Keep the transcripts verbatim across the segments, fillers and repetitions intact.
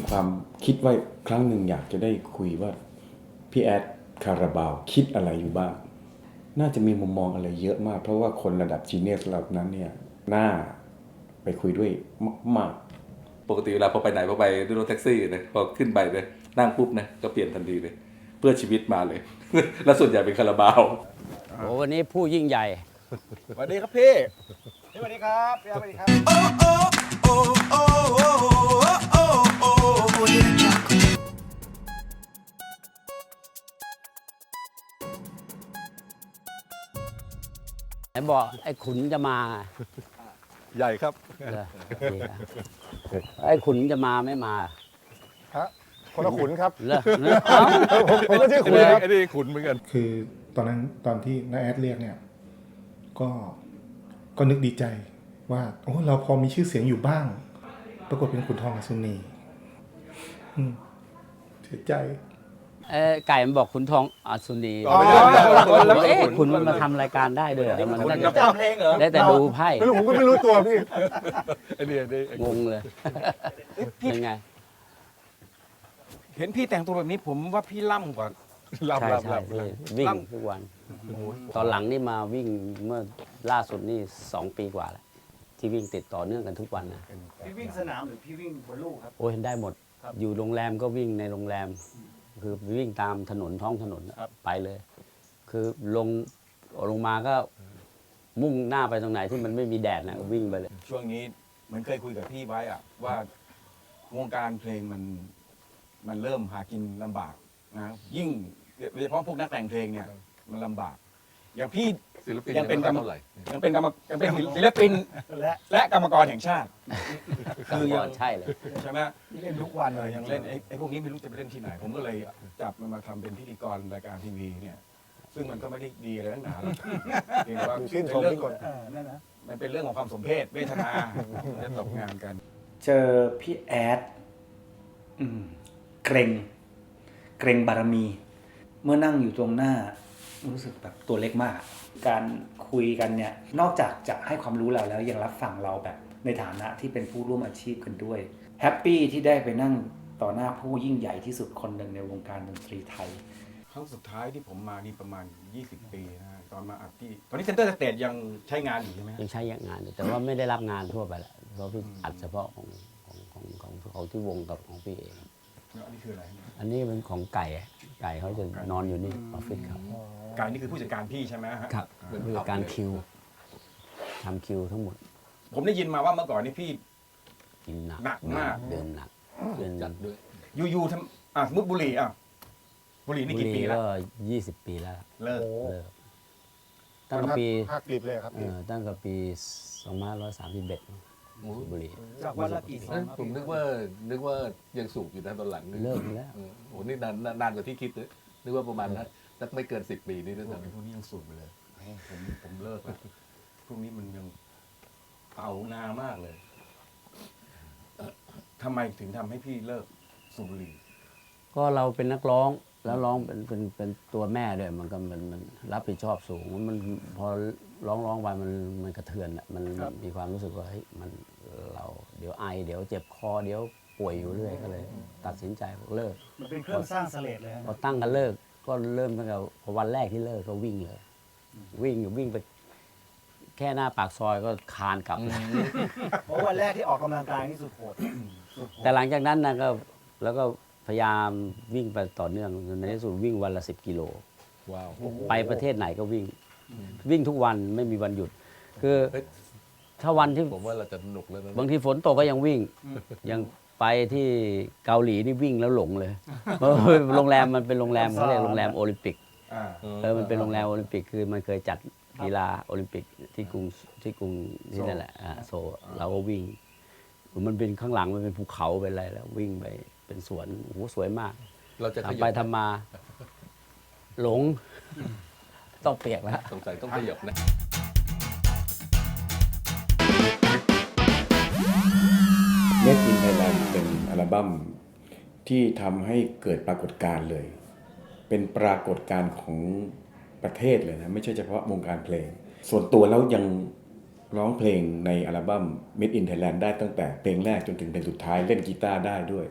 ความคิดว่าครั้งหนึ่งอยากจะได้คุยว่าพี่แอดคาราบาวคิดอะไรอยู่บ้างน่าจะมีมุมมองอะไรเยอะมากเพราะว่าคนระดับจีเนียสเหล่านั้นเนี่ยน่าไปคุยด้วยมากปกติเวลาพอไปไหนพอไปด้วยรถแท็กซี่นะพอขึ้นไปเลยนั่งปุ๊บนะก็เปลี่ยนทันทีเลยเพื่อชีวิตมาเลย แล้วส่วนใหญ่เป็นคาราบาวโอ้วันนี้ผู้ยิ่งใหญ่สวัสดีครับพี่สวัสดีครับพี่สวัสดีครับไหนบอกไอ้ขุนจะมาใหญ่ครับเหรอดีครับไอ้ขุนจะมาไม่มาฮะคนละขุนครับเหรอเหรอเอ้าผมผมก็ชื่อขุนครับไอ้นี่ขุนเหมือนกันคือตอนนั้นตอนที่น้าแอดเรียกเนี่ยก็ก็นึกดีใจว่าโอ้เราพอมีชื่อเสียงอยู่บ้าง ปรากฏเป็นขุนทองอัศนีอืมเสียใจเอ้ไก่มันบอกขุนทองอัศนีอ๋อไม่ใช่ไม่ใช่เอ๊ะขุนมันมาทำรายการได้ด้วยเหรอมันได้จำเพลงเหรอได้แต่ดูไพ่ไม่รู้ผมก็ไม่รู้ตัวพี่ไอ้นี่ไอ้นี่งงเลยเป็นไงเห็นพี่แต่งตัวแบบนี้ผมว่าพี่ล่ำกว่าลำใช่ลำใช่ลำพี่วิ่งทุกวัน ตอนหลังนี่มาวิ่งเมื่อล่าสุดนี่สองปีกว่าแล้วที่วิ่งติดต่อเนื่องกันทุกวันนะพี่วิ่งสนามหรือพี่วิ่งบนลู่ครับโอ้ยได้หมด อยู่โรงแรมก็วิ่งในโรงแรม คือวิ่งตามถนนท้องถนนไปเลย คือลงลงมาก็มุ่งหน้าไปตรงไหนที่มันไม่มีแดดนะวิ่งไปเลยช่วงนี้เหมือนเคยคุยกับพี่ไว้อะว่าวงการเพลงมันมันเริ่มหากินลำบากนะยิ่งโดยเฉพาะพวกนักแต่งเพลงเนี่ยมันลำบาก อย่างพี่ศิลปินยังเป็นกรรมเท่าไหร่ยังเป็นกรรมยังเป็นศิลปินและและกรรมกรแห่งชาติ คือยังใช่เลยใช่ไหมเล่นทุกวันเลยยังเล่นไอ้ไอ้พวกนี้ไม่รู้จะไปเล่นที่ไหน ผมก็เลยจับมันมาทำเป็นพิธีกรรายการทีวีเนี่ย ซึ่งมันก็ไม่ได้ดีอะไรตั้งนานหรอกเพียงแต่ว่าชื่นชมเป็นพี่เรื่องก่อนมันเป็นเรื่องของความสมเพศเวทนาจะตกงานกันเจอพี่แอดอืมเกรง เกรงบารมี เมื่อนั่งอยู่ตรงหน้า รู้สึกแบบตัวเล็กมาก การคุยกันเนี่ย นอกจากจะให้ความรู้เราแล้วยังรับฟังเราแบบในฐานะที่เป็นผู้ร่วมอาชีพกันด้วย แฮปปี้ที่ได้ไปนั่งต่อหน้าผู้ยิ่งใหญ่ที่สุดคนหนึ่งในวงการดนตรีไทยครั้งสุดท้ายที่ผมมานี่ประมาณ ยี่สิบ ปีนะฮะตอนมาอัดที่ตอนนี้เซ็นเตอร์สเตจยังใช้งานอยู่ใช่ไหมฮะยังใช้งานอยู่แต่ว่าไม่ได้รับงานทั่วไปแหละเพราะพี่อัดเฉพาะของของของของของที่วงกับของพี่เองแล้วอันนี้คืออะไรฮะอันนี้เป็นของไก่อะไก่เขาจะนอนอยู่นี่ออฟฟิศเขาการนี่คือผู้จัดการพี่ใช่ไหมฮะครับเป็นผู้จัดการคิวทำคิวทั้งหมดผมได้ยินมาว่าเมื่อก่อนนี่พี่กินหนักหนักมากเดินหนักเดินจัดด้วยอยู่ๆทำอ่ะสมมุติบุหรี่อ่ะบุหรี่นี่กี่ปีแล้วก็ยี่สิบปีแล้วเลิกเลิกตั้งแต่ปีภาคกลิบเลยครับเอพี่อตั้งแต่ปีสองพันห้าร้อยสามสิบเอ็ดบุรีจากวันละกี่ซอเอ้งยผมนึกว่านึกว่ายังสูบอยู่นะตอนหลังนึเลิกไปแล้วเออโอ้นี่นานนานกว่าที่คิดเลยนึกว่าประมาณนั้นสักไม่เกินสิบปีนี่ด้วยพวกซ้ำนี้พวกนี้ยังสูบไปเลยโอ้ผมผมเลิกแล้วพวกนี้มันยังเต่านามากเลยทำไมถึงทำให้พี่เลิกสูบบุหรี่ก็เราเป็นนักร้องแล้วร้องเป็นเป็นเป็นตัวแม่ด้วยมันก็มันมันรับผิดชอบสูงมันพอร้องร้องไปมันมันกระเทือนอ่ะมันมันมีความรู้สึกว่าเฮ้ยมันเราเดี๋ยวไอ เดี๋ยวเจ็บคอเดี๋ยวป่วยอยู่เรื่อยก็เลย ตัดสินใจเลิกมันเป็นเครื่องสร้างเสลดเลยฮะพอตั้งกันเลิกก็เริ่มตั้งแต่พอวันแรกที่เลิกก็วิ่งเลย วิ่งอยู่วิ่งไปแค่หน้าปากซอยก็คานกลับเลยเพราะวันแรกที่ออกกำลังกายนี่สุดโหดสุดโหดแต่หลังจากนั้นนะก็แล้วก็พยายามวิ่งไปต่อเนื่องในที่สุดวิ่งวันละสิบกิโลว้าวไปประเทศไหนก็วิ่ง วิ่งทุกวันไม่มีวันหยุด คือเฮ้ยถ้าวันที่ผมว่าเราจะสนุกแล้วนะบางทีฝนตกก็ยังวิ่ง ยังไปที่เกาหลีนี่วิ่งแล้วหลงเลยเพราะโรงแรมมันเป็นโรงแรมเขาเรียกโรงแรมโอลิมปิกอ่าเออมันเป็นโรงแรมโอลิมปิกคือมันเคยจัดกีฬาโอลิมปิกที่กรุงที่กรุงที่นั่นแหละอ่าโซลเราก็วิ่ง มันเป็นข้างหลังมันเป็นภูเขาเป็นอะไรแล้ววิ่งไปเป็นสวนโอ้โหสวยมากเราจะขทำยัไปบทำมา หลง ต้องเปียกแล้วสงสัยต้องขยับนะ Made in Thailand เป็นอัลบั้มที่ทำให้เกิดปรากฏการณ์เลย เป็นปรากฏการณ์ของประเทศเลยนะไม่ใช่เฉพาะวงการเพลง ส่วนตัวแล้วยังร้องเพลงในอัลบั้ม Made in Thailand ได้ตั้งแต่เพลงแรกจนถึงเพลงสุดท้ายเล่นกีตาร์ได้ด้วย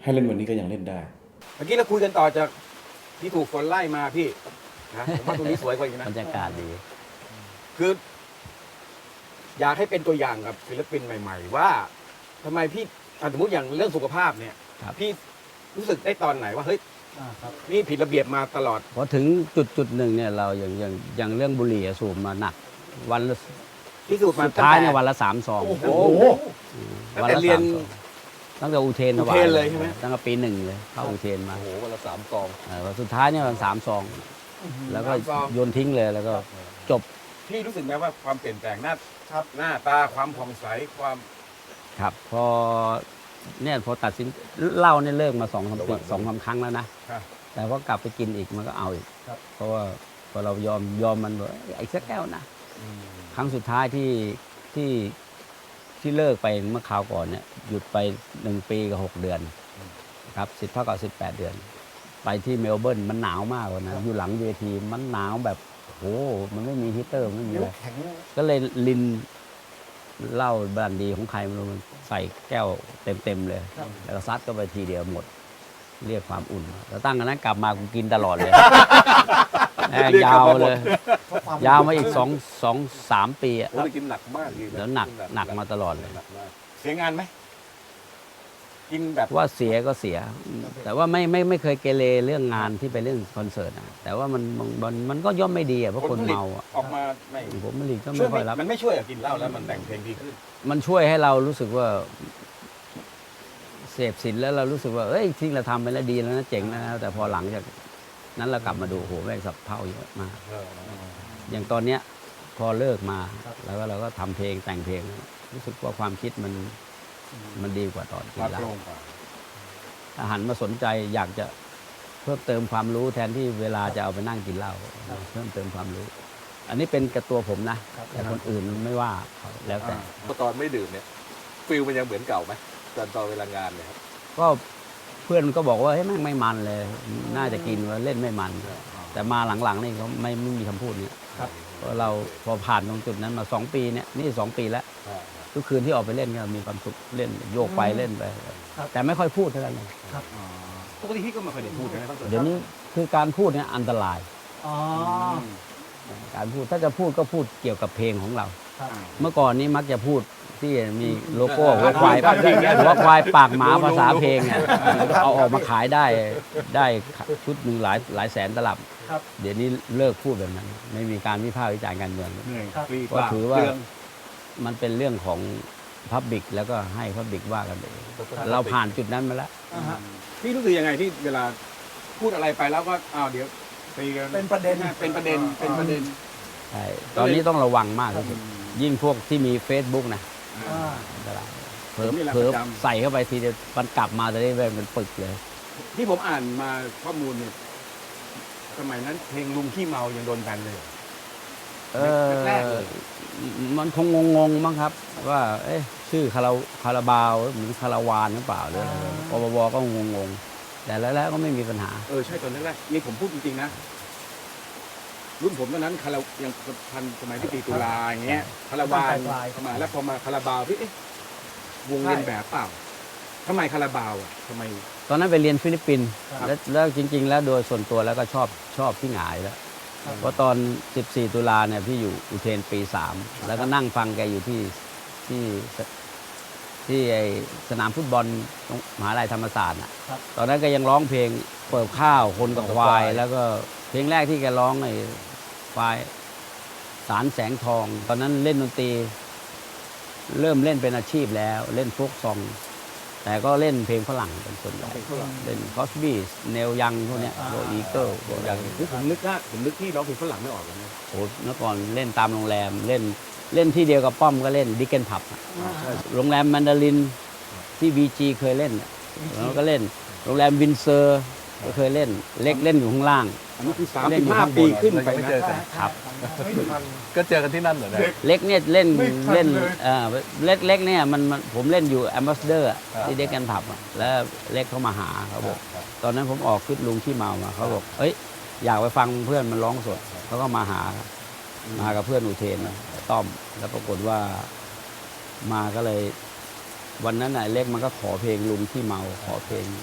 ให้เล่นวันนี้ก็ยังเล่นได้เมื่อกี้เราคุยกันต่อจากที่ถูกฝนไล่มาพี่นะผมว่าตรงนี้สวยกว่าอีกนะบรรยากาศดีคือ อยากให้เป็นตัวอย่างกับศิลปินใหม่ ๆ ว่าทำไมพี่อ่ะสมมติอย่างเรื่องสุขภาพเนี่ยครับพี่รู้สึกได้ตอนไหนว่าเฮ้ยอ่าครับนี่ผิดระเบียบมาตลอดพอถึงจุดจุดหนึ่งเนี่ยเราอย่างอย่างอย่างเรื่องบุหรี่อะสูบมาหนัก วันละพิสูจน์มาสุดท้ายเนี่ยตั้งแต่วันละสามซองโอ้โห ตั้งวันแต่ละเรียสาน มซองตั้งแต่อุเทนอุถวาเทยนเลยใช่ไหมตั้งแต่ปีหนึ่งเลยเข้าอุเทนมาโอ้โหวันละสามซองเออวันสุดท้ายเนี่ยวันสามซอง แล้วก็สามซองโยนทิ้งเลยแล้วก็จบพี่รู้สึกไหมว่าความเปลี่ยนแปลงหน้าครับหน้าตาความผ่องใสความครับ พอเนี่ยพอตัดสินเหล้าเนี่ยเลิกมาสองสามปีสองสามครั้งแล้วนะครับแต่พอกลับไปกินอีกมันก็เอาอีกครับเพราะว่าพอเรายอมยอมมันบอกไอ้สักแก้วนะ ครั้งสุดท้ายที่ที่ที่เลิกไปเมื่อคราวก่อนเนี่ยหยุดไปหนึ่งปีกับหกเดือนครับสิบเท่ากับสิบแปดเดือน ไปที่เมลเบิร์นมันหนาวมากเลยนะอยู่หลังเวทีมันหนาวแบบโอ้โหมันไม่มีฮีตเตอร์ไม่มีอะไรแข็งก็เลยลินเหล้าบรันดีของใครไมันรู้มันใส่แก้วเต็มๆเลย แล้วก็ซัดก็ไปทีเดียวหมด เรียกความอุ่นแล้วตั้งแต่นั้นกลับมากูกินตลอดเลยแม่งยาวเลย ยาวมาอีกสองสองสามปีอะโอ้ยกินหนักมากอีกะแล้วหนักหนักมาตลอดเลยหนักมากเสียงานไหมกินแบบว่าเสียก็เสีย แต่ว่าไม่ไม่ไม่เคยเกเรเรื่องงานที่ไปเรื่องคอนเสิร์ตนะแต่ว่ามันมันมันมันก็ย่อมไม่ดีอ่ะเพราะคนเมาอ่ะออกมาไม่ผมไม่รีก็ช่วไม่ยค่อยรับมันไม่ช่วยอะกินเหล้าแล้วมันแต่งเพลงดีขึ้นมันช่วยให้เรารู้สึกว่าเสพสินแล้วเรารู้สึกว่าเอ้ยที่เราทำไปแล้วดีแล้วนะเจ๋งแล้วนะแต่พอหลังจากนั้นเรากลับมาดูโอ้โหแม่งสับเพ่าเยอะมากอย่างตอนเนี้ยพอเลิกมาแล้วก็เราก็ทำเพลงแต่งเพลง รู้สึกว่าความคิดมันมันดีกว่าตอนกินรับเหล้าลงกว่าถ้าหันมาสนใจอยากจะเพิ่มเติมความรู้แทนที่เวลาจะเอาไปนั่งกินเหล้าเพิ่มเติมความรู้ อันนี้เป็นกับตัวผมนะแต่คนอื่นไม่ว่าเขาแล้วแต่พอตอนไม่ดื่มเนี่ยฟิลมันยังเหมือนเก่าไหมตอนตอนเวลางานเนี่ยครับก็เพื่อนก็บอกว่าเฮ้ยแม่งไม่มันเลย น่าจะกินว่าเล่นไม่มัน แต่มาหลังๆนี่เขาไม่ไม่มีคำพูดนี้เพราะเราพอผ่านตรงจุดนั้นมาสองปีเนี่ยนี่สองปีแล้วทุกคืนที่ออกไปเล่นก็มีความสุขเล่นโยกไปเล่นไป แต่ไม่ค่อยพูดเท่านั้นเลยปกติพี่ก็ไม่เคยได้พูดนะเดี๋ยวนี้คือการพูดเนี่ยอันตรายอ๋อการพูดถ้าจะพูดก็พูดเกี่ยวกับเพลงของเราครับเมื่อก่อนนี้มักจะพูดที่มีโลโก้หัวควายหัวควายปากหมาภาษาเพลงเนี่ยเอาออกมาขายได้ได้ชุดหนึ่งหลายหลายแสนตลับครับเดี๋ยวนี้เลิกพูดแบบนั้น ไม่มีการวิพากษ์วิจารณ์การเมืองเหนื่อยครับฟรีก็ถือว่ามันเป็นเรื่องของพับบิกแล้วก็ให้พับบิกว่ากันเองเราผ่านจุดนั้นมาแล้วอ่าฮะพี่รู้สึกยังไงที่เวลาพูดอะไรไปแล้วก็อ้าวเดี๋ยวตีกันเป็นประเด็นเป็นประเด็นเป็นประเด็นใช่ตอนนี้ต้องระวังมากที่สุดยิ่งพวกที่มี Facebook นะอ่าอันตรายเผลอนี่แหละเผลอประจำใส่เข้าไปทีเดียวมันกลับมาจะได้เป็นปึกเลยที่ผมอ่านมาข้อมูลเนี่ยสมัยนั้นเพลงลุงขี้เมายังโดนแบนเลยเออแรกๆเลยมันคงงงๆมั้งครับ ว่า เอ๊ะชื่อคาราคาราบาวหรือคาราวานหรือเปล่าหรืออะไรปปบก็งงๆแต่แล้วๆก็ไม่มีปัญหาเออใช่ตอนแรกๆนี่ผมพูดจริงๆนะรุ่นผมตอนนั้นคารายังทันสมัยที่ตีตุลาอย่างเงี้ยคาราวานปลายๆเข้ามาแล้วพอมาคาราบาวพี่เอ๊ะวงเล่นแบบเปล่าทำไมคาราบาวอ่ะทำไมตอนนั้นไปเรียนฟิลิปปินส์ครับแล้วแล้วจริง ๆ แล้วโดยส่วนตัวแล้วก็ชอบชอบพี่หงายแล้วครับเพราะตอน สิบสี่ ตุลาเนี่ยพี่อยู่อุเทนปีสามแล้วก็นั่งฟังแกอยู่ที่ที่ที่ไอสนามฟุตบอลตรงมหาลัยธรรมศาสตร์น่ะครับตอนนั้นก็ยังร้องเพลงเปิดข้าวคนกับควาย แล้วก็เพลงแรกที่แกร้องไอ้ควายสารแสงทอง ตอนนั้นเล่นดนตรี เริ่มเล่นเป็นอาชีพแล้วเล่นโฟกซอง แต่ก็เล่นเพลงฝรั่งเป็นส่วนใหญ่เล่นคอสบี้เนลยังพวกเนี้ยพวกอีเกิลพวกอย่างคือผมนึกว่าผมนึกที่ร้องเพลงฝรั่งไม่ออกเลยนะโอ้เมื่อก่อนเล่นตามโรงแรมเล่นเล่นที่เดียวกับป้อมก็เล่นดิกเกนผับโรงแรมแมนดารินที่บีจีเคยเล่นน่ะแล้วก็เล่นโรงแรมวินเซอร์ก็เคยเล่นเล็กเล่นอยู่ข้างล่างอันนี้คือสามเล่สินบอยู่ห้าข้างบนปีขึ้นไปไม่นะเจอกันครับก็เจอกันที่นั่นเหรอเนี่ยเล็กเนี่ยเล่นเล่นเอ่อเล็กเล็กเนี่ยมันมันผมเล่นอยู่แอมบาสเดอร์ที่เด็กกันผับอะแล้วเล็กเขามาหาเขาบอกตอนนั้นผมออกขึ้นลุงขี้เมามาเขาบอกเอ้ยอยากไปฟังเพื่อนมันร้องสดเขาก็มาหามากับเพื่อนอุเทนต้อมแล้วปรากฏว่ามาก็เลย วันนั้นน่ะเล็กมันก็ขอเพลงลุงขี้เมาขอเพลง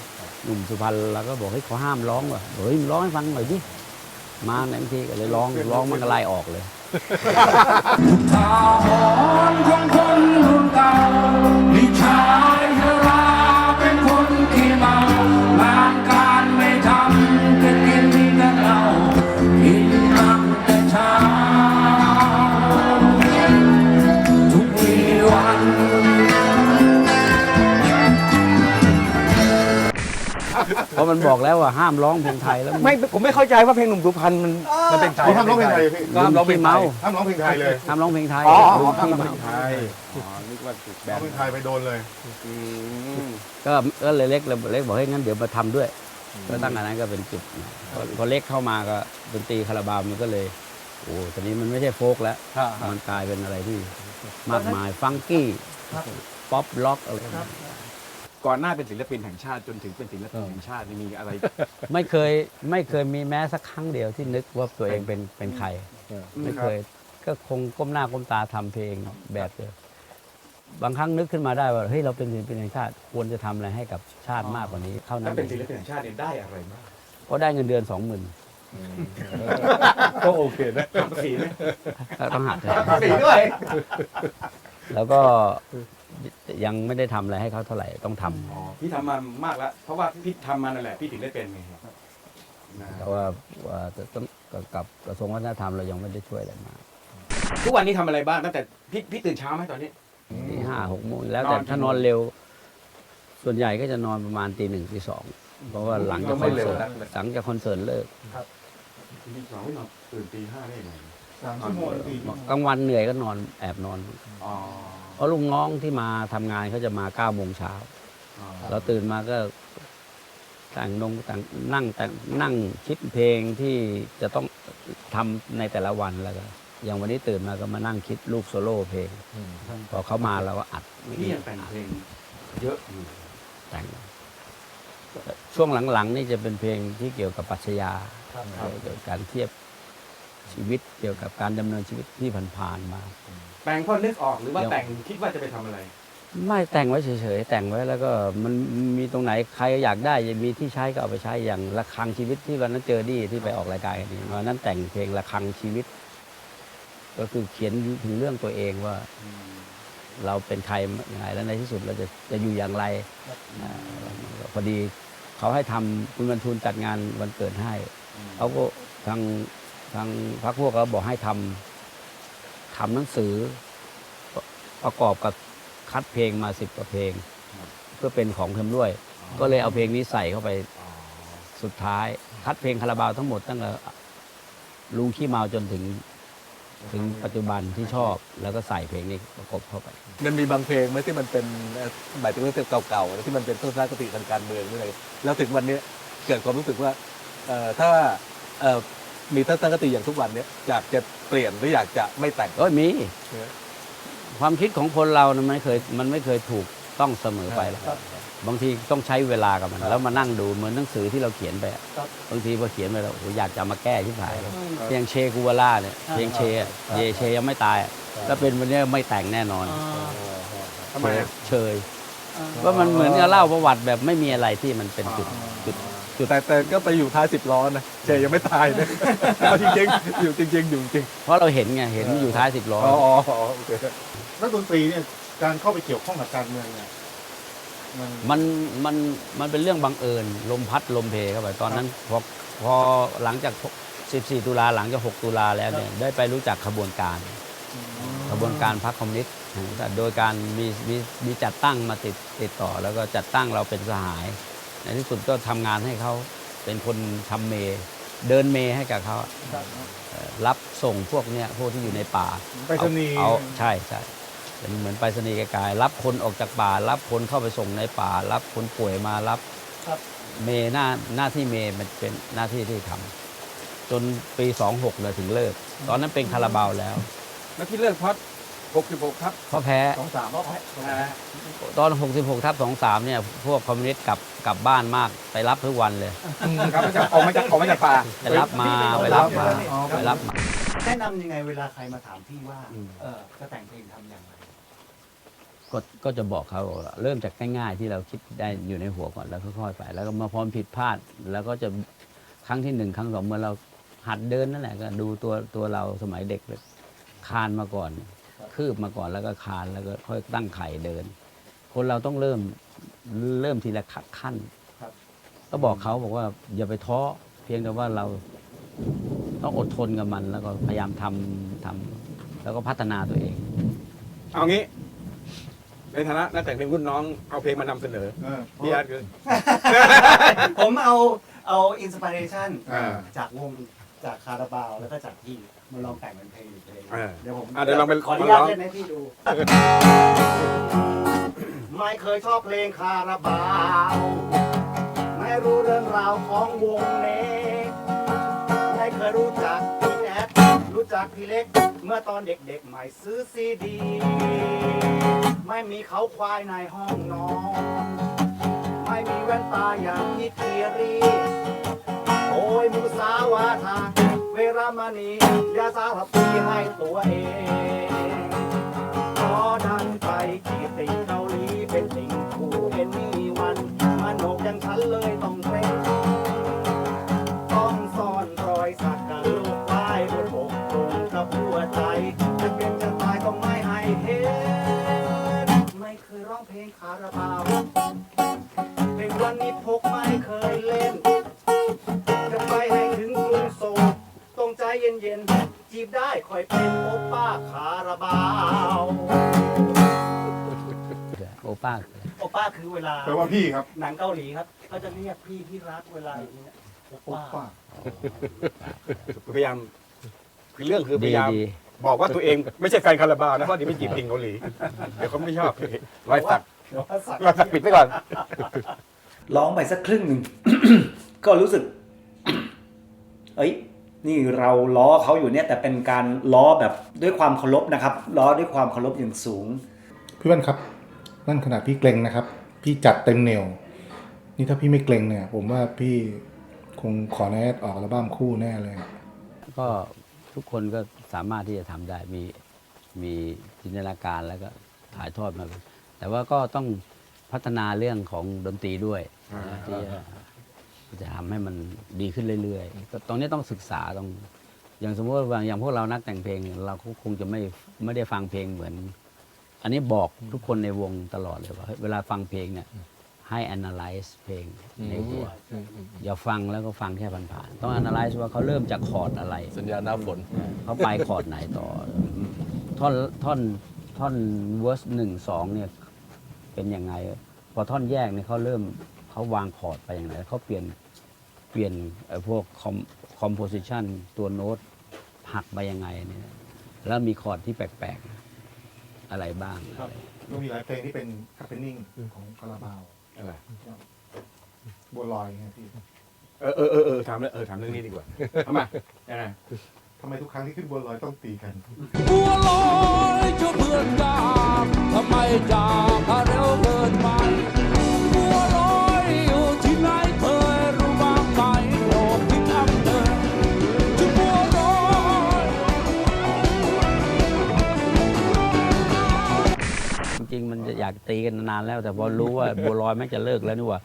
หนุ่มสุพรรณเราก็บอกเฮ้ยเขาห้ามร้องว่ะเฮ้ยมึงร้องให้ฟังหน่อยดิมาในบางทีก็เลยร้องร้องมันก็ไล่ออกเลยทาหรณ์ของคนรุ่นเก่ามีชายชราเป็นคนที่เมางานการไม่ทำก็กินแต่เหล้ากินน้ำแต่เช้าทุกวีวันเพราะมันบอกแล้วว่าห้ามร้องเพลงไทยแล้วไม่ผมไม่เข้าใจว่าเพลงหนุ่มสุพรรณมันมันเป็นไทยเขาห้ามร้องเพลงไทยพี่ก็ห้ามร้องเพลงไทยห้ามร้องเพลงไทยเลยห้ามร้องเพลงไทยอ๋อลุงห้ามขี้ร้องเมาเพลงไทยอ๋อนึกว่าถูกแบร้องนเพลงไทยไปโดนเลยก็ก็เลยเล็กเลยเล็กบอกให้ยงั้นเดี๋ยวมาทำด้วยก็ตั้งแต่นั้นก็เป็นจุดพอพอเล็กเข้ามาก็ดนตรีคาราบาวมันก็เลยโอ้ตอนนี้มันไม่ใช่โฟล์กแล้ว มันกลายเป็นอะไรที่มากมายฟังกี้ป๊อปล็อกอะไรก่อนหน้าเป็นศิลปินแห่งชาติจนถึงเป็นศิลปินแห่งชาตินี่มีอะไรไม่เคยไม่เคยมีแม้สักครั้งเดียวที่นึกว่าตัวเองเป็นเป็นใคร ไม่เคยก็คงก้มหน้าก้มตาทำเพลงแบบเดิมบางครั้งนึกขึ้นมาได้ว่าเฮ้ยเราเป็นศิลปินแห่งชาติควรจะทำอะไรให้กับชาติมากกว่านี้เท่านั้ถ้าน เป็นศิลปินแห่งชาติเนี่ยได้อะไรบ้างก็ได้เงินเดือนสองหมื่นก็โอเคนะภาษีไหมต้องหักภาษีด้วยแล้วก็ยังไม่ได้ทำอะไรให้เขาเท่าไหร่ต้องทำอ๋อพี่ทำมามากแล้ว เพราะว่าพี่ทำมานั่นแหละพี่ถึงได้เป็นไงครับนะแต่ว่าว่าจะต้องกับกระทรวงวัฒนธรรมเรายังไม่ได้ช่วยอะไรมากทุกวันนี้ทำอะไรบ้างตั้งแต่พี่พี่ตื่นเช้าไหมตอนนี้ตีห้าหกโมงแล้วแต่นอนกี่ถ้านอนเร็ว ส่วนใหญ่ก็จะนอนประมาณตีหนึ่งตีสองเพราะว่าหลังจากคอนเสิร์ตหลังจากคอนเสิร์ตเลิกตีสองไม่นอนตื่นตีห้าได้ยังไงสามชั่วโมงสี่ชั่วโมงกลางวันเหนื่อยก็นอนแอบนอนอ๋อเพราะลุงน้องที่มาทำงานเขาจะมาเก้าโมงเช้าอ๋อเราตื่นมาก็แต่งนงแต่งนั่งแต่งนั่งคิดเพลงที่จะต้องทำในแต่ละวันแล้วก็อย่างวันนี้ตื่นมาก็มานั่งคิดลูกโซโล่เพลงพอเขามาเราก็อัดพี่ยังแต่งเพลงเยอะอยู่แต่งช่วงหลังๆนี่จะเป็นเพลงที่เกี่ยวกับปรัชญาเกี่ยวกับการเทียบชีวิตเกี่ยวกับการดำเนินชีวิตที่ผ่านๆมาแต่งเพราะนึกออกหรือว่าแต่งคิดว่าจะไปทำอะไรไม่แต่งไว้เฉยๆแต่งไว้แล้วก็มันมีตรงไหนใครอยากได้มีที่ใช้ก็เอาไปใช้อย่างระฆังชีวิตที่วันนั้นเจอดีที่ไปออกรายการกันนี่วันนั้นแต่งเพลงระฆังชีวิต ก็คือเขียนถึงเรื่องตัวเองว่าเราเป็นใครยังไงแล้วในที่สุดเราจะจะอยู่อย่างไรอ่าพอดีเขาให้ทำคุณบรรทุนจัดงานวันเกิดให้เขาก็ทางทางพรรคพวกเขาบอกให้ทำทำหนังสือประกอบกับคัดเพลงมาสิบกว่าเพลง เพื่อเป็นของเทมด้วย ก็เลยเอาเพลงนี้ใส่เข้าไปสุดท้าย คัดเพลงคาราบาวทั้งหมดตั้งแต่ลุงขี้เมาจนถึงถึงปัจจุบันที่ชอบ แล้วก็ใส่เพลงนี้ประกบเข้าไปมันมีบางเพลงไหมที่มันเป็นเอ่อหมายถึงว่าเพลงเก่าๆนะที่มันเป็นทัศนคติทางการเมืองหรืออะไรแล้วถึงวันนี้เกิดความรู้สึกว่าเอ่อถ้าเอ่อมีทัศนคติอย่างทุกวันเนี้ยอยากจะเปลี่ยนหรืออยากจะไม่แต่งโอ้ยมีเออความคิดของคนเรานะมันไม่เคยมันไม่เคยถูกต้องเสมอไปหรอกบางทีต้องใช้เวลากับมัน แล้วมานั่งดูเหมือนหนังสือที่เราเขียนไปอะบางทีพอเขียนไปแล้วโอ้โหอยากจะเอามาแก้ที่ผายเพลงเชกูวาล่าเนี่ยเพลงเชอะเยเชยังไม่ตายอะถ้าเป็นวันนี้ไม่แต่งแน่นอนทำไมอะเชยว่ามันเหมือนกับเล่าประวัติแบบไม่มีอะไรที่มันเป็นจุดจุดแต่แต่ก็ไปอยู่ท้ายสิบล้อนะเจยังไม่ตายนะ เอาจริงๆอยู่จริงๆอยู่จริงเพราะเราเห็นไงเห็นอยู่ท้ายสิบล้ออ๋ออ๋ออ๋อโอเคนักดนตรีเนี่ยการเข้าไปเกี่ยวข้องกับการเมืองเนี่ยมันมันมันมันเป็นเรื่องบังเอิญลมพัดลมเพเข้าไปตอนนั้นพอพอหลังจากสิบสี่ตุลาหลังจากหกตุลาแล้วเนี่ยได้ไปรู้จักขบวนการขบวนการพรรคคอมมิวนิสต์แห่งชาติโดยการมีมีมีจัดตั้งมาติดติดต่อ แล้วก็จัดตั้งเราเป็นสหาย ในที่สุดก็ทำงานให้เขาเป็นคนทำเมย์เดินเมย์ให้กับเขาเอ่อรับส่งพวกเนี้ยพวกที่อยู่ในป่าไปรษณีย์เอาเอาใช่ใช่เป็นเหมือนไปรษณีย์ไกลๆรับคนออกจากป่า รับคนเข้าไปส่งในป่า รับคนป่วยมารับเมย์หน้าหน้าที่เมย์มันเป็นหน้าที่ที่ทำจนปีสองหกเลยถึงเลิก ตอนนั้นเป็นคาราบาวแล้วแล้วที่เลิกเพราะหกสิบหกครับเพราะแพ้สองสามเพราะแพ้อ่าตอนหกสิบหกทับสองสามเนี่ยพวกคอมมิวนิสต์กลับกลับบ้านมากไปรับทุกวันเลยครับมันจะออกมาจากออกมาจากป่าไปรับมาไปรับมาไปรับมาแนะนำยังไงเวลาใครมาถามพี่ว่า เออจะแต่งเพลงทำอย่างไรก็ก็จะบอกเขาว่าเริ่มจากง่ายๆที่เราคิดได้อยู่ในหัวก่อนแล้วค่อยๆไปแล้วก็มาพร้อมผิดพลาด แล้วก็จะครั้งที่หนึ่งครั้งสองเมื่อเราหัดเดินนั่นแหละก็ดูตัวตัวเราสมัยเด็กเลยคานมาก่อน คืบมาก่อนแล้วก็คานแล้วก็ค่อยตั้งไข่เดิน คนเราต้องเริ่มเริ่มทีละขั้นก็บอกเขาบอกว่าอย่าไปท้อเพียงแต่ว่าเราต้องอดทนกับมัน แล้วก็พยายามทำทำแล้วก็พัฒนาตัวเองเอางี้ ในฐานะนักแต่งเพลงรุ่นน้องเอาเพลงมานำเสนอพี่อาร์ตคือผมเอาเอาอินสปิเรชันอ่าจากวงจากคาราบาวแล้วก็จากพี่มาลองแต่งเป็นเพลงอีกเพลงอ่าเดี๋ยวผมอ่ะเดี๋ยวลองเป็นขออนุญาตลองเล่นให้พี่ดู ไม่เคยชอบเพลงคาราบาว ไม่รู้เรื่องราวของวงเน็กไม่เคยรู้จักพี่แอดรู้จักพี่เล็ก เมื่อตอนเด็กๆใหม่ซื้อซีดี ไม่มีเขาควายในห้องนอน ไม่มีแว่นตาอย่างพี่เทียรี โอ้ยมุสาวาทาเวรามณียาสารพีให้ตัวเองขอดันไปจีบติ่งเกาหลีเป็นติ่งคู่เอ็นมีวันมันโหนกอย่างฉันเลยต้องเกรงต้องซ่อนรอยสักกับลูกป้ายบนอกตรงกับหัวใจจะเป็นจะตายก็ไม่ให้เห็นไม่เคยร้องเพลงคาราบาวเพลงวันนี้พกไม่เคยเล่นจะไปให้ถึงกรุงโซลต้องใจเย็นๆจีบได้คอยเป็นโอป้าคาราบาวโอป้าโอป้าคือเวลาแปลว่าพี่ครับหนังเกาหลีครับเขาจะเรียกพี่ที่รักเวลาอย่างนี้ยโอโอ้ป้าป้าพยายามคือเรื่องคือพดียายามดีบอกว่าตัวเองไม่ใช่แฟนคาราบาวนะเพราะเดี๋ยวไปจีบติ่งเกาหลี เดี๋ยวเขาไม่ชอบรอยสักเดี๋ยวว่าสักรอยสักปิดไว้ก่อนร้องไปสักครึ่งหนึ่ง ก็รู้สึก เอ้ย นี่เราล้อเขาอยู่เนี่ยแต่เป็นการล้อแบบด้วยความเคารพนะครับ ล้อด้วยความเคารพอย่างสูงพี่วันครับ นั่นขนาดพี่เกรงนะครับ พี่จัดเต็มเหนียว นี่ถ้าพี่ไม่เกรงเนี่ย ผมว่าพี่คงขอแนทออกอัลบั้มคู่แน่เลยก็ทุกคนก็สามารถที่จะทำได้มีมีจินตนาการแล้วก็ถ่ายทอดมา แต่ว่าก็ต้องพัฒนาเรื่องของดนตรีด้วยนะที่จะที่จะทำให้มันดีขึ้นเรื่อยๆก็ตรงนี้ต้องศึกษาต้องอย่างสมมติว่าอย่างพวกเรานักแต่งเพลง เราก็คงจะไม่ไม่ได้ฟังเพลงเหมือน อันนี้บอกทุกคนในวงตลอดเลยว่าเวลาฟังเพลงเนี่ยให้ analyze เพลงในหัวอย่าฟังแล้วก็ฟังแค่ผ่านๆต้อง analyze ว่าเขาเริ่มจากคอร์ดอะไรสัญญาณหน้าฝนเขาไปคอร์ดไหนต่อ ท่อนท่อนท่อนเวอร์สหนึ่งสองเนี่ยเป็นยังไง พอท่อนแยกเนี่ยเขาเริ่มเขาวางคอร์ดไปอย่างไรเขาเปลี่ยนเปลี่ยนไอ้พวกคอมคอมโพสิชันตัวโน้ตหักไปยังไงเนี่ยแล้วมีคอร์ดที่แปลกๆอะไรบ้างครับก็มีหลายเพลงที่เป็นคัพเพนนิ่งของคาราบาวอะไรบัวลอยไงพี่เออเออเออเออถามเรื่องเออถามเรื่องนี้ดีกว่าทำไมยังไงทำไมทุกครั้งที่ขึ้นบัวลอยต้องตีกันบัวลอยเจ้าเพื่อนจากทำไมจากเร็วเกินไปบัวลอยอยู่ที่ไหนเคยรู้บ้างไหมโปรดคิดอัพเดินจะบัวลอยจริงๆมันจะอยากตีกันนานแล้ว แต่พอรู้ว่าบัวลอยแม่งจะเลิกแล้วนี่หว่า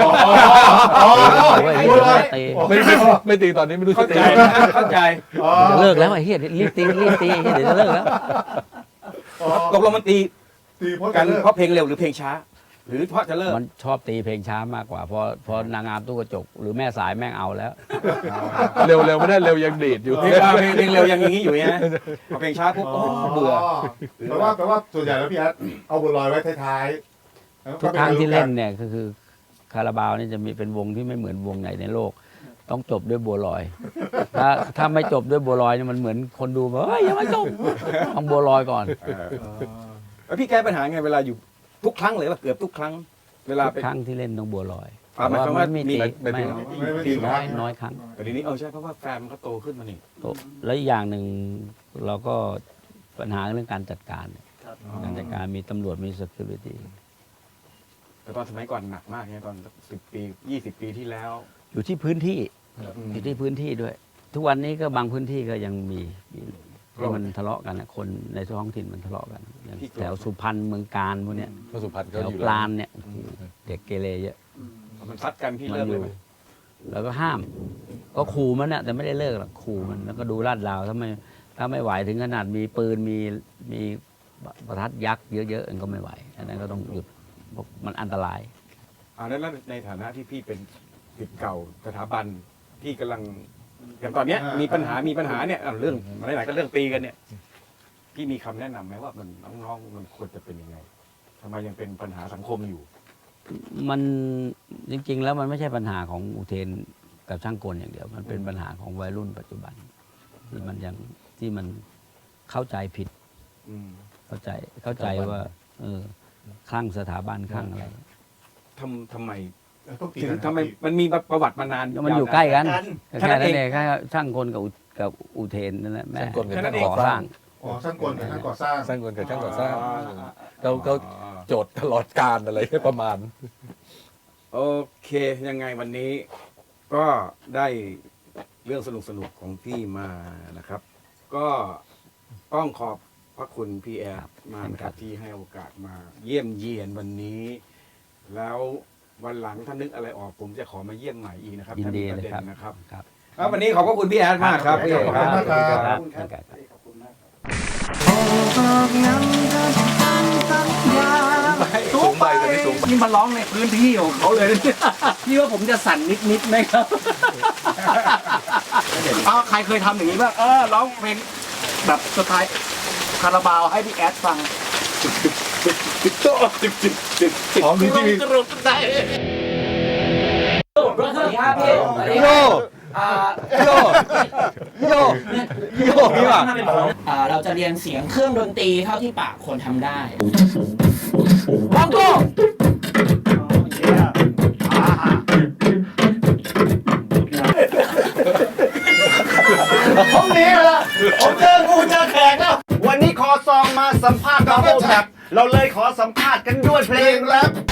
โอ้ยไอ้เหี้ยจะตีไม่ไม่ไม่ตีตอนนี้ไม่รู้จะเข้าตีใจเข้าใจจะเลิกแล้วไอ้เหี้ยรีบตีรีบตีไอ้เหี้ยเดี๋ยวจะเลิกแล้วตกลงมันตีตีเพราะกักัน นเพราะเพลงเร็วหรือเพลงช้า หรือเพราะจะเลิกมันชอบตีเพลงช้ามากกว่าพอพอนางงามตู้กระจก หรือแม่สายแม่งเอาแล้วเร็วเร็วไม่ได้เร็วยังดีดอยู่เพลงเพลงเพลงเร็วยังอย่างนี้อยู่นะพอเพลงช้าปุ๊บโอ้เบื่อแปลว่าแปลว่าส่วนใหญ่แล้วพี่แอดเอาบัวลอยไว้ท้ายๆทุกครั้งที่เล่นเนี่ยก็คือคาราบาวนี่จะมีเป็นวงที่ไม่เหมือนวงไหนในโลก ต้องจบด้วยบัวลอย ถ้าถ้าไม่จบด้วยบัวลอยเนี่ยมันเหมือนคนดูว่าเฮ้ยยังไม่จบต้องบัวลอยก่อนแล้วพี่แก้ปัญหาไงเวลาอยู่ทุกครั้งเลยว่าเกือบทุกครั้ง เวลาทุกไปครั้งที่เล่นต้องบัวลอยอ่าหมายความว่าแต่มีตีไม่ไม่ตีน้อยน้อยครั้งแต่ทีนี้เออใช่เพราะว่าแฟนมันก็โตขึ้นมานี่แล้วอีกอย่างหนึ่งเราก็ปัญหาเรื่องการจัดการ การจัดการมีตำรวจมี security แต่ตอนสมัยก่อนหนักมากเนี่ยตอนสิบปียี่สิบปีที่แล้วอยู่ที่พื้นที่อืมอยู่ที่พื้นที่ด้วย ทุกวันนี้ก็บางพื้นที่ก็ยังมีมีที่มันทะเลาะกันนะคนในท้องถิ่นมันทะเลาะกันอย่างที่แถวสุพรรณเมืองการพวกเนี้ยพระสุพรรณแถเขาวอยู่ปราณเนี่ยโอ้โหเด็กเกเรเยอะมันซัดกันพี่มัเลิกอเลยยู่ไหมแล้วก็ห้าม ก็ขู่มันน่ะแต่ไม่ได้เลิกหรอกขู่มันแล้วก็ดูลาดราวถ้าไม่ถ้าไม่ไหวถึงขนาดมีปืนมีมีประทัดยักษ์เยอะๆมันก็ไม่ไหวอันนั้นก็ต้องหยุดเพราะมันอันตรายอ่าแล้วในฐานะที่พี่เป็นศิษย์เก่าสถาบันที่กำลังอย่างตอนเนี้ยมีปัญหามีปัญหาเนี่ยอ่ะเรื่องหลายๆก็เรื่องตีกันเนี่ยพี่มีคำแนะนำไหมว่ามันน้องๆมันควรจะเป็นยังไงทำไมยังเป็นปัญหาสังคมอยู่มันจริง ๆ แล้วมันไม่ใช่ปัญหาของอุเทนกับช่างกลอย่างเดียว มันเป็นปัญหาของวัยรุ่นปัจจุบันที่มันยังที่มันเข้าใจผิดอืมเข้าใจเข้าใจว่าเออคลั่งสถาบันคลั่งอะไรทำทำไมต้องตีถึงกันทำไมมันมีประวัติมานานมันอยู่ใกล้กันแค่แค่นั้นั้น นเองเองแค่ช่างกลกับอุกับอุเทนนั่นแหละแม่ช่างกลกับแค่นั้ช่างนเองก่อสร้างอ๋อช่างกลกับช่างก่อสร้างสร้างกลกับช่างก่อสร้างอ๋อเขาเขาโจทย์ตลอดการอะไรประมาณโอเคยังไงวันนี้ก็ได้เรื่องสนุกสนุกๆของพี่มานะครับ ก็ต้องขอบพระคุณพี่แอดมากนะครับที่ให้โอกาสมาเยี่ยมเยียนวันนี้ แล้ววันหลังถ้านึกอะไรออกผมจะขอมาเยี่ยมใหม่อีกนะครับยินถ้าดีมีประเลยเด็นครับนะครับครับครับวันนี้ขอบพระคุณพี่แอดมากครับพี่ขอบคุณมากครับครับขอบคุณมากสูงไปตอนนี้สูงไปนี่มาร้องในพื้นที่ของเขาเลย พี่ว่าผมจะสั่นนิดๆไหมครับ เอาใครเคยทำอย่างนี้บ้างเออร้องเพลงแบบสไตล์คาราบาวให้พี่แอดฟังอ๋อมีที่มีกรุบใจสวัสดีครับพี่สวัสดีโยครับโยโยโยนี่ว่ะอ่าเราจะเรียนเสียงเครื่องดนตรีเท่าที่ปากคนทำได้วางโก้ผมหนีแล้วผมเจองูเจอแขกแล้ว วันนี้ขอซองมาสัมภาษณ์ดับเบิลแท็บเราเลยขอสัมภาษณ์กันด้วยเพลงแรป